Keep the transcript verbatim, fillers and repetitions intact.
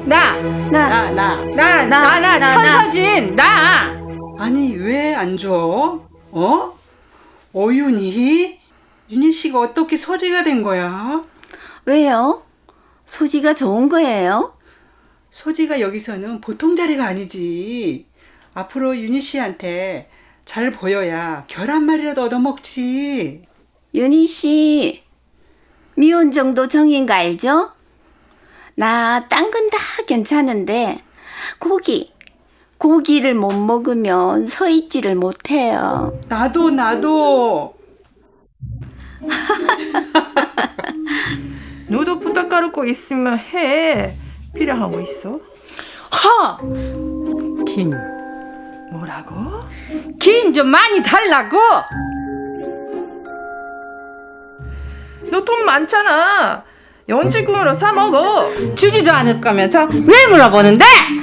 나, 나, 나. 나, 나, 나, 천서진, 나. 아니, 왜 안 줘? 어? 어윤이? 윤희 씨가 어떻게 서지가 된 거야? 왜요? 소지가 좋은 거예요? 소지가 여기서는 보통 자리가 아니지. 앞으로 윤희 씨한테 잘 보여야 결 한 마리라도 얻어먹지. 윤희 씨, 미혼 정도 정인 거 알죠? 나 딴 건 다 괜찮은데 고기, 고기를 못 먹으면 서 있지를 못해요. 나도, 나도. 너도 부탁할 거 있으면 해. 필요한 거 있어? 허! 김, 뭐라고? 김 좀 많이 달라고! 너 돈 많잖아. 연지금으로 사 먹어. 주지도 않을 거면서 왜 물어보는데?